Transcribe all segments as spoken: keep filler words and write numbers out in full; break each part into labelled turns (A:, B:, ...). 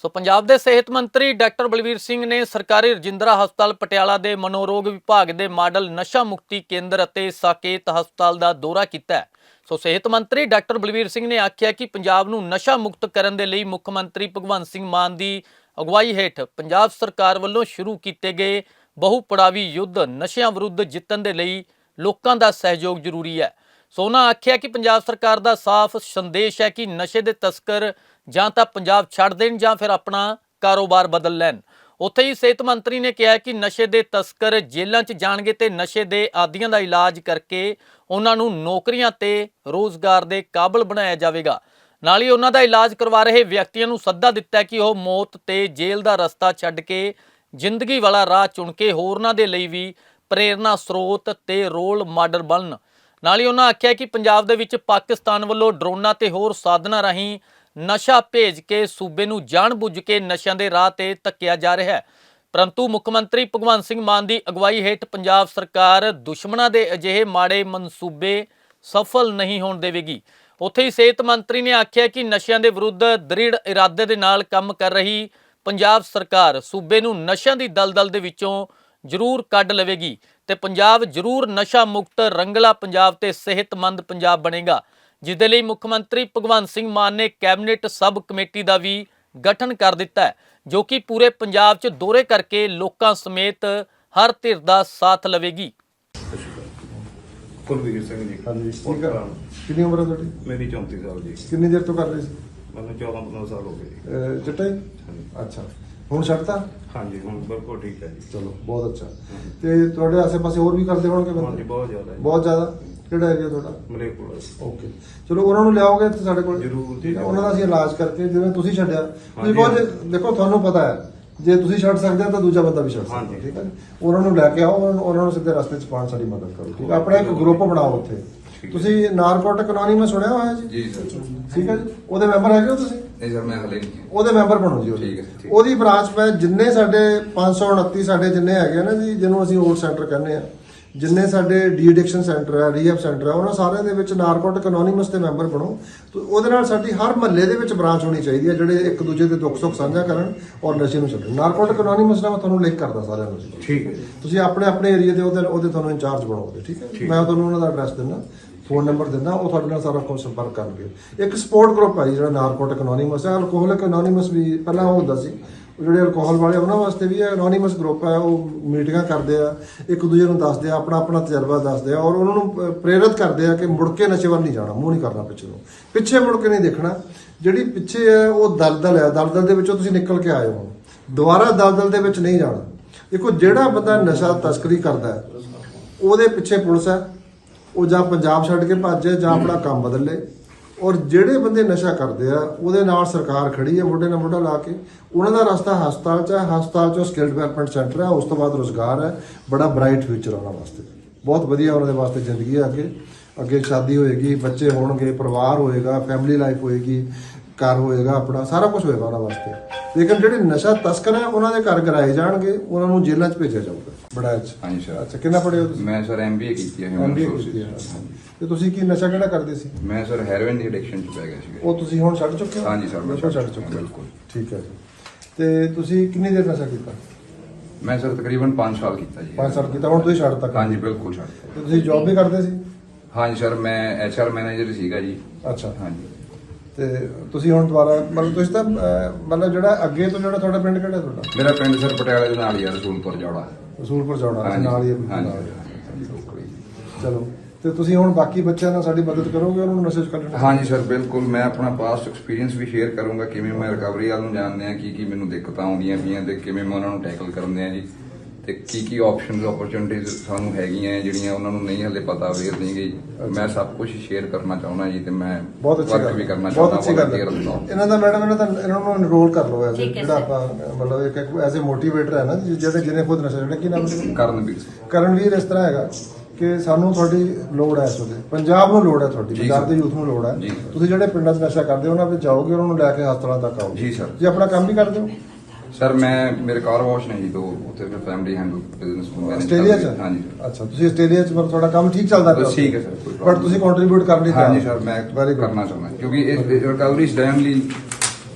A: ਸੋ ਪੰਜਾਬ ਦੇ ਸਿਹਤ ਮੰਤਰੀ ਡਾਕਟਰ ਬਲਵੀਰ ਸਿੰਘ ਨੇ ਸਰਕਾਰੀ ਰਜਿੰਦਰਾ ਹਸਪਤਾਲ ਪਟਿਆਲਾ ਦੇ ਮਨੋਰੋਗ ਵਿਭਾਗ ਦੇ ਮਾਡਲ ਨਸ਼ਾ ਮੁਕਤੀ ਕੇਂਦਰ ਅਤੇ ਸਾਕੇਤ ਹਸਪਤਾਲ ਦਾ ਦੌਰਾ ਕੀਤਾ ਹੈ। ਸੋ ਸਿਹਤ ਮੰਤਰੀ ਡਾਕਟਰ ਬਲਵੀਰ ਸਿੰਘ ਨੇ ਆਖਿਆ ਕਿ ਪੰਜਾਬ ਨੂੰ ਨਸ਼ਾ ਮੁਕਤ ਕਰਨ ਦੇ ਲਈ ਮੁੱਖ ਮੰਤਰੀ ਭਗਵੰਤ ਸਿੰਘ ਮਾਨ ਦੀ ਅਗਵਾਈ ਹੇਠ ਪੰਜਾਬ ਸਰਕਾਰ ਵੱਲੋਂ ਸ਼ੁਰੂ ਕੀਤੇ ਗਏ ਬਹੁ ਪੜਾਵੀ ਯੁੱਧ ਨਸ਼ਿਆਂ ਵਿਰੁੱਧ ਜਿੱਤਣ ਦੇ ਲਈ ਲੋਕਾਂ ਦਾ ਸਹਿਯੋਗ ਜ਼ਰੂਰੀ ਹੈ। ਸੋ ਉਹਨਾਂ ਆਖਿਆ ਕਿ ਪੰਜਾਬ ਸਰਕਾਰ ਦਾ ਸਾਫ਼ ਸੰਦੇਸ਼ ਹੈ ਕਿ ਨਸ਼ੇ ਦੇ ਤਸਕਰ ਜਾਂ ਤਾਂ ਪੰਜਾਬ ਛੱਡ ਦੇਣ ਜਾਂ ਫਿਰ ਆਪਣਾ ਕਾਰੋਬਾਰ ਬਦਲ ਲੈਣ। ਉੱਥੇ ਹੀ ਸਿਹਤ ਮੰਤਰੀ ਨੇ ਕਿਹਾ ਕਿ ਨਸ਼ੇ ਦੇ ਤਸਕਰ ਜੇਲ੍ਹਾਂ 'ਚ ਜਾਣਗੇ ਤੇ ਨਸ਼ੇ ਦੇ ਆਦੀਆਂ ਦਾ ਇਲਾਜ ਕਰਕੇ ਉਹਨਾਂ ਨੂੰ ਨੌਕਰੀਆਂ ਤੇ ਰੋਜ਼ਗਾਰ ਦੇ ਕਾਬਲ ਬਣਾਇਆ ਜਾਵੇਗਾ। ਨਾਲ ਹੀ ਉਹਨਾਂ ਦਾ ਇਲਾਜ ਕਰਵਾ ਰਹੇ ਵਿਅਕਤੀਆਂ ਨੂੰ ਸੱਦਾ ਦਿੱਤਾ ਕਿ ਉਹ ਮੌਤ ਤੇ ਜੇਲ੍ਹ ਦਾ ਰਸਤਾ ਛੱਡ ਕੇ ਜ਼ਿੰਦਗੀ ਵਾਲਾ ਰਾਹ ਚੁਣ ਕੇ ਹੋਰਨਾਂ ਦੇ ਲਈ ਵੀ ਪ੍ਰੇਰਨਾ ਸਰੋਤ ਤੇ ਰੋਲ ਮਾਡਲ ਬਣਨ। ਨਾਲ ਹੀ ਉਹਨਾਂ ਆਖਿਆ ਕਿ ਪੰਜਾਬ ਦੇ ਵਿੱਚ ਪਾਕਿਸਤਾਨ ਵੱਲੋਂ ਡਰੋਨਾਂ ਤੇ ਹੋਰ ਸਾਧਨਾਂ ਰਾਹੀਂ ਨਸ਼ਾ ਭੇਜ ਕੇ ਸੂਬੇ ਨੂੰ ਜਾਣ-ਬੁੱਝ ਕੇ ਨਸ਼ਿਆਂ ਦੇ ਰਾਹ ਤੇ ਧੱਕਿਆ ਜਾ ਰਿਹਾ ਹੈ, ਪਰੰਤੂ ਮੁੱਖ ਮੰਤਰੀ ਭਗਵੰਤ ਸਿੰਘ ਮਾਨ ਦੀ ਅਗਵਾਈ ਹੇਠ ਪੰਜਾਬ ਸਰਕਾਰ ਦੁਸ਼ਮਣਾਂ ਦੇ ਅਜਿਹੇ ਮਾੜੇ ਮਨਸੂਬੇ ਸਫਲ ਨਹੀਂ ਹੋਣ ਦੇਵੇਗੀ। ਉੱਥੇ ਹੀ ਸਿਹਤ ਮੰਤਰੀ ਨੇ ਆਖਿਆ ਕਿ ਨਸ਼ਿਆਂ ਦੇ ਵਿਰੁੱਧ ਦ੍ਰਿੜ ਇਰਾਦੇ ਦੇ ਨਾਲ ਕੰਮ ਕਰ ਰਹੀ ਪੰਜਾਬ ਸਰਕਾਰ ਸੂਬੇ ਨੂੰ ਨਸ਼ਿਆਂ ਦੀ ਦਲਦਲ ਦੇ ਵਿੱਚੋਂ ਜ਼ਰੂਰ ਕੱਢ ਲਵੇਗੀ ਤੇ ਪੰਜਾਬ ਜ਼ਰੂਰ ਨਸ਼ਾ ਮੁਕਤ ਰੰਗਲਾ ਪੰਜਾਬ ਤੇ ਸਿਹਤਮੰਦ ਪੰਜਾਬ ਬਣੇਗਾ, ਜਿਸ ਦੇ ਲਈ ਮੁੱਖ ਮੰਤਰੀ ਭਗਵੰਤ ਸਿੰਘ ਮਾਨ ਨੇ ਕੈਬਨਿਟ ਸਬ ਕਮੇਟੀ ਦਾ ਵੀ ਗਠਨ ਕਰ ਦਿੱਤਾ ਹੈ, ਜੋ ਕਿ ਪੂਰੇ ਪੰਜਾਬ 'ਚ ਦੌਰੇ ਕਰਕੇ ਲੋਕਾਂ ਸਮੇਤ ਹਰ ਧਿਰ ਦਾ ਸਾਥ ਲਵੇਗੀ।
B: ਕੁਲਵੀਰ ਸਿੰਘ ਜੀ।
C: ਹਾਂਜੀ ਠੀਕ ਆ। ਕਿੰਨੀ ਉਮਰ ਹੈ ਤੁਹਾਡੀ?
B: ਮੇਰੀ ਚੌਂਤੀ ਸਾਲ ਜੀ।
C: ਕਿੰਨੀ ਦੇਰ ਤੋਂ ਕਰ ਰਹੇ ਸੀ?
B: ਮੈਨੂੰ ਚੌਦਾਂ ਪੰਦਰਾਂ ਸਾਲ ਹੋ ਗਏ ਜੀ।
C: ਅਹ ਚਿੱਟਾ ਹੀ? ਅੱਛਾ, ਹੁਣ ਛੱਡਤਾ?
B: ਹਾਂਜੀ ਹੁਣ ਬਿਲਕੁਲ ਠੀਕ ਹੈ ਜੀ।
C: ਚਲੋ ਬਹੁਤ ਅੱਛਾ। ਤੇ ਤੁਹਾਡੇ ਆਸੇ-ਪਾਸੇ ਹੋਰ ਵੀ ਕਰਦੇ ਹੋਣਗੇ
B: ਹਾਂਜੀ
C: ਬੰਦੇ?
B: ਬਹੁਤ ਜ਼ਿਆਦਾ ਜੀ।
C: ਬਹੁਤ ਜ਼ਿਆਦਾ। ਕਿਹੜਾ ਏਰੀਆ ਤੁਹਾਡਾ?
B: ਮਲੇਰਕੋਟਲਾ।
C: ਓਕੇ, ਚਲੋ ਉਹਨਾਂ ਨੂੰ ਲਿਆਓਗੇ ਤੇ ਸਾਡੇ ਕੋਲ
B: ਜ਼ਰੂਰ।
C: ਠੀਕ ਹੈ, ਉਹਨਾਂ ਦਾ ਅਸੀਂ ਇਲਾਜ ਕਰਕੇ ਜਿਵੇਂ ਤੁਸੀਂ ਛੱਡਿਆ ਤੁਸੀਂ
B: ਹਾਂਜੀ।
C: ਬਹੁਤ ਦੇਖੋ, ਤੁਹਾਨੂੰ ਪਤਾ ਹੈ ਜੇ ਤੁਸੀਂ ਛੱਡ ਸਕਦੇ ਹੋ ਤਾਂ ਦੂਜਾ ਬੰਦਾ ਵੀ ਛੱਡ ਸਕਦਾ।
B: ਹਾਂਜੀ।
C: ਠੀਕ ਹੈ ਜੀ, ਉਹਨਾਂ ਨੂੰ ਲੈ ਕੇ ਆਓ, ਉਹਨਾਂ ਨੂੰ- ਉਹਨਾਂ ਨੂੰ ਸਿੱਧੇ ਰਸਤੇ 'ਚ ਪਾਉਣ ਸਾਡੀ ਮਦਦ ਕਰੋ। ਠੀਕ ਹੈ, ਆਪਣਾ ਇੱਕ ਗਰੁੱਪ ਬਣਾਓ ਉੱਥੇ। ਤੁਸੀਂ ਨਾਰਕੋਟਿਕ ਅਨੋਨਿਮਸ ਸੁਣਿਆ ਹੋਇਆ ਜੀ?
D: ਜੀ ਸਰ।
C: ਠੀਕ ਹੈ ਜੀ, ਉਹਦੇ ਮੈਂਬਰ ਹੈਗੇ ਹੋ ਤੁਸੀਂ?
D: ਨਹੀਂ ਸਰ ਮੈਂ ਹਲੇ ਨਹੀਂ।
C: ਉਹਦੇ ਮੈਂਬਰ ਬਣੋ ਜੀ ਉਹਦੇ।
D: ਠੀਕ ਹੈ, ਠੀਕ।
C: ਉਹਦੀ ਬ੍ਰਾਂਚ ਪੈ ਜਿੰਨੇ ਸਾਡੇ ਪੰਜ ਸੌ ਉਨੱਤੀ ਸਾਡੇ ਜਿੰਨੇ ਹੈਗੇ ਆ ਨਾ ਜੀ, ਜਿਹਨੂੰ ਅਸੀਂ ਓਟ ਸੈਂਟਰ ਕਹਿੰਦੇ ਆ, ਜਿੰਨੇ ਸਾਡੇ ਡੀ ਐਡਿਕਸ਼ਨ ਸੈਂਟਰ ਹੈ, ਰੀਹੈਬ ਸੈਂਟਰ ਹੈ, ਉਹਨਾਂ ਸਾਰਿਆਂ ਦੇ ਵਿੱਚ ਨਾਰਕੋਟਿਕ ਅਨੋਨਿਮਸ ਦੇ ਮੈਂਬਰ ਬਣੋ। ਤੇ ਉਹਦੇ ਨਾਲ ਸਾਡੀ ਹਰ ਮਹੱਲੇ ਦੇ ਵਿੱਚ ਬ੍ਰਾਂਚ ਹੋਣੀ ਚਾਹੀਦੀ ਹੈ, ਜਿਹੜੇ ਇੱਕ ਦੂਜੇ ਦੇ ਦੁੱਖ ਸੁੱਖ ਸਾਂਝਾ ਕਰਨ ਔਰ ਨਸ਼ੇ ਨੂੰ ਛੱਡਣ। ਨਾਰਕੋਟਿਕ ਅਨੋਨਿਮਸ ਨਾਲ ਮੈਂ ਤੁਹਾਨੂੰ ਲਿੰਕ ਕਰਦਾ ਸਾਰਿਆਂ ਨੂੰ ਜੀ।
B: ਠੀਕ ਹੈ ਜੀ।
C: ਤੁਸੀਂ ਆਪਣੇ ਆਪਣੇ ਏਰੀਆ ਦੇ ਉਹਦੇ ਉਹਦੇ ਤੁਹਾਨੂੰ ਇੰਚਾਰਜ ਬਣਾਓਗੇ। ਠੀਕ ਹੈ, ਮੈਂ ਤੁਹਾਨੂੰ ਉਹਨਾਂ ਦਾ ਐਡਰੈਸ ਦਿੰਦਾ, ਫੋਨ ਨੰਬਰ ਦਿੰਦਾ, ਉਹ ਤੁਹਾਡੇ ਨਾਲ ਸਾਰਾ ਕੁਝ ਸੰਪਰਕ ਕਰਨਗੇ। ਇੱਕ ਸਪੋਰਟ ਗਰੁੱਪ ਹੈ ਜਿਹੜਾ ਨਾਰਕੋਟਿਕ ਅਨੋਨਿਮਸ ਹੈ। ਅਲਕੋਹਲਿਕ ਅਨੋਨਿਮਸ ਵੀ ਪਹਿਲਾਂ ਉਹ ਹੁੰਦਾ ਸੀ, ਜਿਹੜੇ ਅਲਕੋਹਲ ਵਾਲੇ ਉਹਨਾਂ ਵਾਸਤੇ ਵੀ ਹੈ ਅਨੋਨਿਮਸ ਗਰੁੱਪ ਹੈ। ਉਹ ਮੀਟਿੰਗਾਂ ਕਰਦੇ ਆ, ਇੱਕ ਦੂਜੇ ਨੂੰ ਦੱਸਦੇ ਆ, ਆਪਣਾ ਆਪਣਾ ਤਜਰਬਾ ਦੱਸਦੇ ਆ ਔਰ ਉਹਨਾਂ ਨੂੰ ਪ੍ਰੇਰਿਤ ਕਰਦੇ ਆ ਕਿ ਮੁੜ ਕੇ ਨਸ਼ੇ ਵੱਲ ਨਹੀਂ ਜਾਣਾ, ਮੂੰਹ ਨਹੀਂ ਕਰਨਾ ਪਿੱਛੇ ਨੂੰ, ਪਿੱਛੇ ਮੁੜ ਕੇ ਨਹੀਂ ਦੇਖਣਾ। ਜਿਹੜੀ ਪਿੱਛੇ ਹੈ ਉਹ ਦਲਦਲ ਹੈ, ਦਲਦਲ ਦੇ ਵਿੱਚੋਂ ਤੁਸੀਂ ਨਿਕਲ ਕੇ ਆਏ ਹੋ, ਦੁਬਾਰਾ ਦਲਦਲ ਦੇ ਵਿੱਚ ਨਹੀਂ ਜਾਣਾ। ਦੇਖੋ, ਜਿਹੜਾ ਬੰਦਾ ਨਸ਼ਾ ਤਸਕਰੀ ਕਰਦਾ ਹੈ ਉਹਦੇ ਪਿੱਛੇ ਪੁਲਿਸ ਹੈ, ਉਹ ਜਾਂ ਪੰਜਾਬ ਛੱਡ ਕੇ ਭੱਜੇ ਜਾਂ ਆਪਣਾ ਕੰਮ ਬਦਲ ਲੇ। ਔਰ ਜਿਹੜੇ ਬੰਦੇ ਨਸ਼ਾ ਕਰਦੇ ਆ ਉਹਦੇ ਨਾਲ ਸਰਕਾਰ ਖੜੀ ਹੈ ਮੋਢੇ ਨਾਲ ਮੋਢਾ ਲਾ ਕੇ। ਉਹਨਾਂ ਦਾ ਰਸਤਾ ਹਸਪਤਾਲ 'ਚ ਹੈ, ਹਸਪਤਾਲ 'ਚੋਂ ਸਕਿੱਲ ਡਿਵੈਲਪਮੈਂਟ ਸੈਂਟਰ ਹੈ, ਉਸ ਤੋਂ ਬਾਅਦ ਰੁਜ਼ਗਾਰ ਹੈ, ਬੜਾ ਬ੍ਰਾਈਟ ਫਿਊਚਰ ਉਹਨਾਂ ਵਾਸਤੇ, ਬਹੁਤ ਵਧੀਆ ਉਹਨਾਂ ਦੇ ਵਾਸਤੇ ਜ਼ਿੰਦਗੀ ਹੈ। ਅੱਗੇ ਅੱਗੇ ਸ਼ਾਦੀ ਹੋਏਗੀ, ਬੱਚੇ ਹੋਣਗੇ, ਪਰਿਵਾਰ ਹੋਏਗਾ, ਫੈਮਿਲੀ ਲਾਈਫ ਹੋਏਗੀ, ਘਰ ਹੋਏਗਾ, ਆਪਣਾ ਸਾਰਾ ਕੁਝ ਹੋਏਗਾ ਉਹਨਾਂ ਵਾਸਤੇ। ਲੇਕਿਨ ਜਿਹੜੇ ਨਸ਼ਾ ਤਸਕਰ ਹੈ ਉਹਨਾਂ ਦੇ ਘਰ ਗਿਰਾਏ ਜਾਣਗੇ, ਉਹਨਾਂ ਨੂੰ ਜੇਲ੍ਹਾਂ 'ਚ ਭੇਜਿਆ ਜਾਊਗਾ। ਬੜਾ ਅੱਛਾ।
D: ਹਾਂਜੀ ਸਰ।
C: ਅੱਛਾ, ਕਿੰਨਾ ਪੜ੍ਹੇ ਹੋ ਤੁਸੀਂ?
D: ਮੈਂ ਸਰ ਐਮਬੀਏ ਕੀਤੀ ਹੈ ਹਿਊਮਨ
C: ਐਮਬੀਏ
D: ਰਿਸੋਰਸਿਸ।
C: ਕੀਤੀ ਹੈ। ਤੇ ਤੁਸੀਂ ਕੀ ਨਸ਼ਾ ਕਿਹੜਾ ਕਰਦੇ ਸੀ?
D: ਮੈਂ ਸਰ ਹੈਰੋਇਨ ਦੀ ਐਡਿਕਸ਼ਨ ਚ ਪੈ ਗਿਆ ਸੀ।
C: ਉਹ ਤੁਸੀਂ ਹੁਣ ਛੱਡ ਚੁੱਕੇ ਹੋ?
D: ਹਾਂਜੀ ਸਰ, ਮੈਂ
C: ਨਸ਼ਾ
D: ਛੱਡ
C: ਛੱਡ
D: ਚੁੱਕਿਆ,
C: ਚੁੱਕੇ ਹੋ।
D: ਬਿਲਕੁਲ।
C: ਠੀਕ ਹੈ ਜੀ। ਤੇ ਤੁਸੀਂ ਕਿੰਨੀ ਦੇਰ ਨਸ਼ਾ ਕੀਤਾ?
D: ਮੈਂ ਸਰ ਤਕਰੀਬਨ ਪੰਜ ਸਾਲ ਕੀਤਾ ਜੀ।
C: ਪੰਜ ਸਾਲ ਕੀਤਾ, ਹੁਣ ਤੁਸੀਂ ਛੱਡਤਾ?
D: ਹਾਂਜੀ ਬਿਲਕੁਲ ਛੱਡ ਦਿੱਤਾ।
C: ਤੇ ਤੁਸੀਂ ਜੌਬ ਵੀ ਕਰਦੇ ਸੀ?
D: ਹਾਂਜੀ ਸਰ, ਮੈਂ ਐਚਆਰ ਮੈਨੇਜਰ ਸੀਗਾ ਜੀ।
C: ਅੱਛਾ।
D: ਹਾਂਜੀ।
C: ਤੇ ਤੁਸੀਂ ਹੁਣ ਦੁਬਾਰਾ ਮਤਲਬ ਤੁਸੀਂ ਤਾਂ ਅਹ, ਮਤਲਬ ਜਿਹੜਾ ਅੱਗੇ ਤੋਂ ਜਿਹੜਾ ਤੁਹਾਡਾ ਪਿੰਡ ਕਿਹੜਾ ਤੁਹਾਡਾ?
D: ਮੇਰਾ ਪਿੰਡ ਸਰ ਪਟਿਆਲੇ ਦੇ ਨਾਲ ਹੀ ਆ, ਰਸੂਲਪੁਰ ਜੌੜਾ।
C: ਰਸੂਲਪੁਰ ਜੌੜਾ
D: ਹਾਂਜੀ
C: ਨਾਲ ਹੀ ਹੈ।
D: ਹਾਂਜੀ
C: ਨਾਲ ਹੀ।
D: ਹਾਂਜੀ, ਬਿਲਕੁਲ ਜੀ।
C: ਚਲੋ, ਤੇ ਤੁਸੀਂ ਹੁਣ ਬਾਕੀ ਬੱਚਿਆਂ ਨਾਲ ਸਾਡੀ ਮਦਦ ਕਰੋਗੇ ਉਹਨਾਂ ਨੂੰ ਨਸ਼ੇ ਚ ਕੱਢਣ?
D: ਹਾਂਜੀ ਸਰ ਬਿਲਕੁਲ। ਮੈਂ ਆਪਣਾ ਪਾਸਟ ਐਕਸਪੀਰੀਅੰਸ ਵੀ ਸ਼ੇਅਰ ਕਰੂੰਗਾ, ਕਿਵੇਂ ਮੈਂ ਰਿਕਵਰੀ ਵੱਲ ਨੂੰ ਜਾਣਦੇ ਆ, ਕੀ ਕੀ ਮੈਨੂੰ ਦਿੱਕਤਾਂ ਆਉਂਦੀਆਂ ਪਈਆਂ ਤੇ ਕਿਵੇਂ ਮੈਂ ਉਹਨਾਂ ਨੂੰ ਟੈਕਲ ਕਰਦੇ ਆ ਜੀ, ਤੇ ਕੀ ਕੀ ਆਪਸ਼ਨਸ ਓਪਰਚੁਨਿਟੀਜ਼ ਸਾਨੂੰ ਹੈਗੀਆਂ ਜਿਹੜੀਆਂ ਉਹਨਾਂ ਨੂੰ ਨਹੀਂ ਹਲੇ ਪਤਾ ਅਵੇਅਰ ਨਹੀਂ ਗਈ। ਮੈਂ ਸਭ ਕੁਝ ਸ਼ੇਅਰ ਕਰਨਾ ਚਾਹੁੰਦਾ ਜੀ, ਤੇ ਮੈਂ
C: ਬਹੁਤ ਅੱਛੀ ਗੱਲ
D: ਵੀ ਕਰਨਾ
C: ਬਹੁਤ
D: ਚਾਹੁੰਦਾ।
C: ਅੱਛੀ ਗੱਲ ਹੈ। ਇਹਨਾਂ ਦਾ ਮੈਡਮ ਇਹਨਾਂ ਦਾ ਇਹਨਾਂ ਨੂੰ ਐਨਰੋਲ ਕਰ ਲਓ ਐਜ਼
E: ਠੀਕ ਹੈ
C: ਜਿਹੜਾ
E: ਸਰ।
C: ਆਪਾਂ ਮਤਲਬ ਇੱਕ ਐਜ਼ ਅ ਮੋਟੀਵੇਟਰ ਹੈ ਨਾ, ਜਿਹੜੇ ਜਿਹਨੇ ਖੁਦ ਨਸ਼ਾ ਜਿਹੜਾ ਕੀ ਨਾਮ ਹੈ?
D: ਕਰਨਵੀਰ
C: ਕਰਨਵੀਰ ਇਸ ਤਰ੍ਹਾਂ ਹੈਗਾ ਕਿ ਸਾਨੂੰ ਤੁਹਾਡੀ ਲੋੜ ਹੈ, ਇਸ ਵੇਲੇ ਪੰਜਾਬ ਨੂੰ ਲੋੜ ਹੈ, ਤੁਹਾਡੀ
D: ਜੀ
C: ਪੰਜਾਬ
D: ਸਰ।
C: ਦੇ ਯੂਥ ਨੂੰ ਲੋੜ ਹੈ।
D: ਜੀ।
C: ਤੁਸੀਂ ਜਿਹੜੇ ਪਿੰਡਾਂ 'ਚ ਨਸ਼ਾ ਕਰਦੇ ਹੋ ਉਹਨਾਂ ਵਿੱਚ ਜਾਓਗੇ, ਉਹਨਾਂ ਨੂੰ ਲੈ ਕੇ ਹਸਪਤਾਲਾਂ ਤੱਕ ਆਓ।
D: ਜੀ ਸਰ।
C: ਜੇ ਆਪਣਾ ਕੰਮ ਵੀ ਕਰਦੇ ਹੋ?
D: ਸਰ ਮੈਂ ਮੇਰੇ ਕਾਰ ਵਾਸ਼ ਨੇ ਜੀ, ਤੋਂ ਉੱਥੇ ਫਿਰ ਫੈਮਿਲੀ ਹੈਂਡਲ ਬਿਜ਼ਨਸ ਨੂੰ ਮੈਨੇਜ
C: ਆਸਟ੍ਰੇਲੀਆ 'ਚ?
D: ਹਾਂਜੀ।
C: ਅੱਛਾ, ਤੁਸੀਂ ਆਸਟ੍ਰੇਲੀਆ 'ਚ ਮਤਲਬ ਤੁਹਾਡਾ ਕੰਮ ਠੀਕ ਚੱਲਦਾ ਪਿਆ?
D: ਠੀਕ ਹੈ ਸਰ, ਕੋਈ
C: ਬਟ ਤੁਸੀਂ ਕੰਟਰੀਬਿਊਟ ਕਰ ਨਹੀਂ
D: ਹਾਂਜੀ ਸਰ, ਮੈਂ
C: Very good.
D: ਕਰਨਾ ਚਾਹੁੰਦਾ ਕਿਉਂਕਿ ਇਸ ਰਿਕਵਰੀ ਸਟੈਮ ਲਈ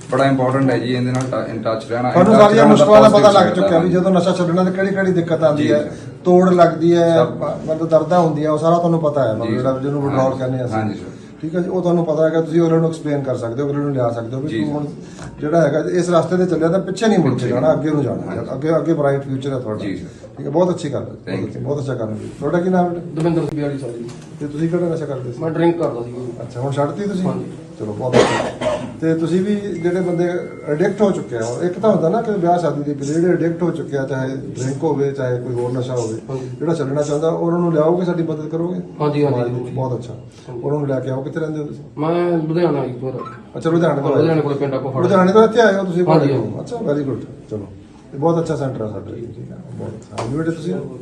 D: ਬੜਾ ਇੰਪੋਰਟੈਂਟ ਹੈ ਜੀ ਇਹਦੇ ਨਾਲ ਇਨ ਟੱਚ ਰਹਿਣਾ।
C: ਤੁਹਾਨੂੰ
D: in touch
C: ਸਾਰੀਆਂ
D: ਰਹਿਣਾ
C: ਮੁਸ਼ਕਲਾਂ ਦਾ
D: positive
C: ਪਤਾ ਲੱਗ
D: side
C: ਚੁੱਕਿਆ ਵੀ
D: ਹਾਂਜੀ।
C: ਜਦੋਂ ਨਸ਼ਾ ਛੱਡਣਾ ਤੇ ਕਿਹੜੀ ਕਿਹੜੀ ਦਿੱਕਤ ਆਉਂਦੀ
D: ਜੀ,
C: ਹੈ,
D: ਸਰ।
C: ਤੋੜ ਲੱਗਦੀ ਹੈ,
D: ਸਭ।
C: ਮਤਲਬ ਦਰਦਾਂ ਹੁੰਦੀਆਂ, ਉਹ ਸਾਰਾ ਤੁਹਾਨੂੰ ਪਤਾ ਹੈ, ਮਤਲਬ
D: ਜੀ,
C: ਜਿਹੜਾ
D: ਸਰ।
C: ਜਿਹਨੂੰ ਵਿਡਰਾਲ
D: ਹਾਂਜੀ,
C: ਕਹਿੰਦੇ ਆ ਅਸੀਂ।
D: ਹਾਂਜੀ, ਸਰ।
C: ਠੀਕ ਹੈ ਜੀ, ਉਹ ਤੁਹਾਨੂੰ ਪਤਾ ਹੈਗਾ, ਤੁਸੀਂ ਉਹਨਾਂ ਨੂੰ ਐਕਸਪਲੇਨ ਕਰ ਸਕਦੇ ਹੋ, ਅਗਲੇ ਨੂੰ ਲਿਆ ਸਕਦੇ ਹੋ ਵੀ
D: ਜੀ,
C: ਤੂੰ ਹੁਣ ਜਿਹੜਾ ਹੈਗਾ ਇਸ ਰਸਤੇ ਤੇ ਚੱਲਿਆ ਤਾਂ ਪਿੱਛੇ ਨਹੀਂ ਮੁੜ ਕੇ
D: ਪਿੱਛੇ
C: ਜਾਣਾ, ਅੱਗੇ ਨੂੰ ਜਾਣਾ,
D: ਹਾਂਜੀ।
C: ਅੱਗੇ ਅੱਗੇ ਬ੍ਰਾਈਟ ਫਿਊਚਰ ਹੈ ਤੁਹਾਡਾ।
D: ਜੀ, ਸਰ।
C: ਠੀਕ ਹੈ, ਬਹੁਤ ਅੱਛੀ ਗੱਲ ਹੈ,
D: Thank
C: ਬਹੁਤ ਅੱਛੀ- ਬਹੁਤ ਅੱਛਾ ਕੰਮ ਹੈ। ਤੁਹਾਡਾ ਕੀ ਨਾਮ ਹੈ?
E: ਦਵਿੰਦਰ ਸਿੰਘ ਬਿਆਲੀ ਸਾਲ ਜੀ।
C: ਤੇ ਤੁਸੀਂ ਕਿਹੜਾ ਨਸ਼ਾ ਕਰਦੇ ਸੀ?
E: ਮੈਂ ਡਰਿੰਕ ਕਰਦਾ ਸੀ ਜੀ।
C: ਅੱਛਾ, ਹੁਣ ਛੱਡਤੀ ਤੁਸੀਂ?
E: ਹਾਂਜੀ।
C: ਚਲੋ ਬਹੁਤ ਅੱਛਾ। ਤੇ ਤੁਸੀਂ ਵੀ ਜਿਹੜੇ ਬੰਦੇ ਐਡਿਕਟ ਹੋ ਚੁੱਕੇ ਆ, ਇੱਕ ਤਾਂ ਹੁੰਦਾ ਨਾ ਕਿ ਵਿਆਹ ਸ਼ਾਦੀ ਦੇ ਪਿੱਛੇ ਜਿਹੜੇ ਐਡਿਕਟ ਹੋ ਚੁੱਕੇ ਆ, ਚਾਹੇ ਡਰਿੰਕ ਹੋਵੇ ਚਾਹੇ ਕੋਈ ਹੋਰ ਨਸ਼ਾ ਹੋਵੇ,
E: ਹਾਂਜੀ।
C: ਜਿਹੜਾ ਛੱਡਣਾ ਚਾਹੁੰਦਾ ਉਹਨਾਂ ਨੂੰ ਲਿਆਓਗੇ, ਸਾਡੀ ਮਦਦ ਕਰੋਗੇ?
E: ਹਾਂਜੀ, ਹਾਂਜੀ,
C: ਸਮਾਜ ਵਿੱਚ
E: ਹਾਂਜੀ।
C: ਬਹੁਤ ਅੱਛਾ। ਉਹਨਾਂ ਨੂੰ ਲੈ ਕੇ ਆਓ। ਕਿੱਥੇ ਰਹਿੰਦੇ ਹੋ ਤੁਸੀਂ?
E: ਮੈਂ ਲੁਧਿਆਣਾ ਜੀ ਫਿਰ
C: ਅੱਛਾ, ਲੁਧਿਆਣੇ ਤੋਂ ਆਏ।
E: ਲੁਧਿਆਣੇ ਕੋਲ ਪਿੰਡ ਆਪੋ ਫੜ
C: ਲੁਧਿਆਣੇ ਤੋਂ ਇੱਥੇ ਆਏ ਹੋ ਤੁਸੀਂ?
E: ਹਾਂਜੀ,
C: ਅੱਛਾ, ਵੈਰੀ ਗੁੱਡ। ਚਲੋ, ਇਹ ਬਹੁਤ ਅੱਛਾ ਸੈਂਟਰ ਹੈ ਸਾਡਾ। ਠੀਕ ਹੈ, ਬਹੁਤ ਅੱਛਾ। ਹਾਂਜੀ ਬੇਟੇ, ਤੁਸੀਂ?